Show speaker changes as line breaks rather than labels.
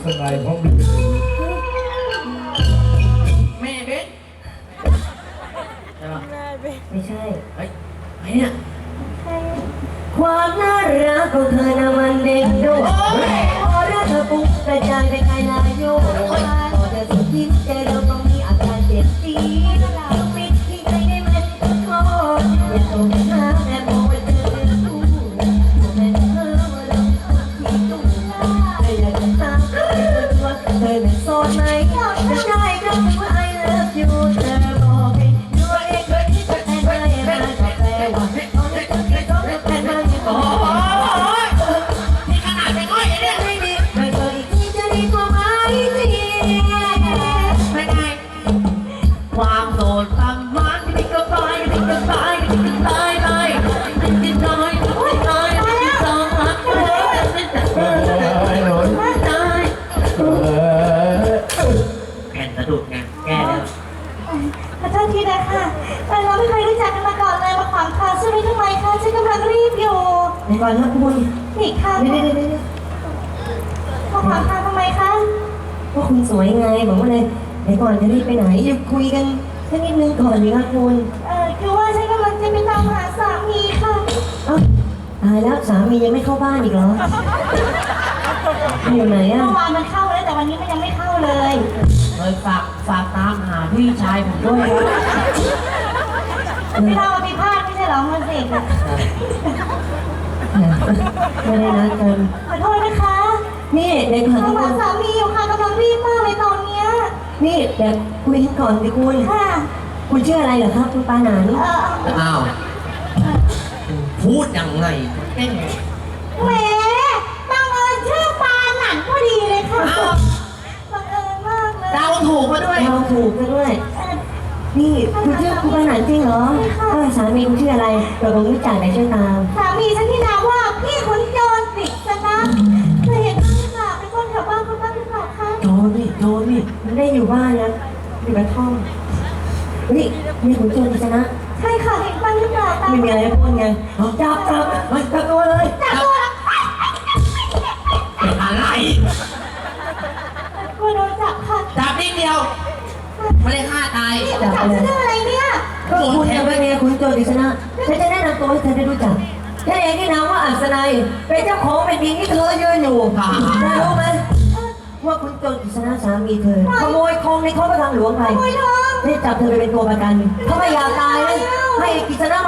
สนายเพราะมี
แม่เบสใช่ปะ
ไม่ใช่
เฮ้ยไอ้เนี่ย
ความน่ารักของเธอนะมันเด็กดูพอรักเธอปุ๊บกระจายไปไกลลายโยพอเธอสุดยิ้มใจเราต้องมีอาการเจ็บจี๊ดต้องปิดที่ใจได้ไหมก็โทษอย่าตกน้ำแต่มองไปเจอเรื่องคู่แม่เธอมาลงที่ตุ้งเธออยากจะตามเธอตัวเธอเป็นโสดไหมจะได้ก็คือ I love you เธอบอกให้ดูเองเคยที่จะแทนได้มาก็แปลว่าตอนนี้เธอแค่ต้องแทนมาอยู่
โอ้โหนี่ขนาดเป็นอ้อยไอ้เนี่ย
ไม่ดีไม่เคยอีกทีจะดีกว่าไหมที
ไม่ได้ความโสดทำมันไม่ก็ตายไม่ก็ตายไม่ก็ตายไปไม่ก็ตายไม่ตายไม่ตายไม่ตายไม่ตายแก่นสะดุดไงแก้แล้ว
ขอโทษทีนะคะเราไม่เคยรู้จักกันมาก่อนเลยมาขวางทางใช่ไหมทำไมคะฉันกำลังรีบอยู่
ในก่อนนะคุณ
อีกค่ะ
เดี๋ยว
มาขวางทางทำไมคะ
ว่าคุณสวยไงบอกว่าเลยในก่อนจะรีบไปไหนหยุดคุยกันสักนิดนึงก่อนดีครับคุณ
คือว่าฉันกำลังจะไปตามหาสามีค่ะ
เอ้าตายแล้วสามียังไม่เข้าบ้านอีกเหรออยู่ไหนอ่ะ
เมื่อวานมันเข้าแล้วแต่วันนี้มันยังไม่เข้าเลย
เลยฝากตามหาพี่ชายผมด้วยครับ
ไม่เราไปพลาดไม่ใช่เหรอมันเสก
ไม่ได้นัดกัน
ขอโทษนะคะ
นี่ในก่อน
เรา
ที่คุ
หา
ณ
สามีอยู่ค่ะกำลังรีบมากเลยตอนเนี้ย
นี่เดี๋ยวคุยกันก่อนสิคุณ
ค่ะ
คุณชื่ออะไรเหรอครับคุณปาหนาน
อ้าวพูดยังไงเต้น
แหมบังเอิญชื่อปาหนันพอดีเลยค่ะ
อ้าว
บังเอิญมากเลย
เดาถูกมาด้วย
เราถูกกันด้วย นี่คุณชื่อคุณปาหนานจริงเหรอสามีคุณชื่ออะไรเราคงรู้จักไหนช่วยตาม
สามีฉันที่นามว่าพี่ขุนโจรปริศนาเคยเห็นบ้างหรือเปล่าเป็นคนแถวบ้านคุณบ้างหรือเปล่าคะ
โจนี่ไม่ได้อยู่บ้านนะอยู่กระท่อมนี่มีคุณโจรกิษณะ
ใช่ค่ะเห็นบ้างหรือเปล่าตาม
ไม่มีอะไรจะพูดไงจับมันจับตัวเลย
จับตัวแล้ว
เป็นอะไร
กลัวโดนจับค่ะ
จับนิดเดียว ไม่ได้ฆ่าตาย
นี่จับฉันเรื่องอะไรเนี่ย
ก็คุณจะเป็นเมียคุณโจรกิษณะฉันจะแนะนำตัวให้เธอได้รู้จักฉันเองที่นามว่าอัศนัยเป็นเจ้าของแผ่นดินที่เธอยืนอยู่เธอรู้ไหมว่าคุณโจรกิษณะสามีเธอขโมยทองในท้องพระคลังหลวงไป
โอยทอง
ให้จับเธอไปเป็นตัวประกันถ้าไม่อยากตายนะให้กิษณะ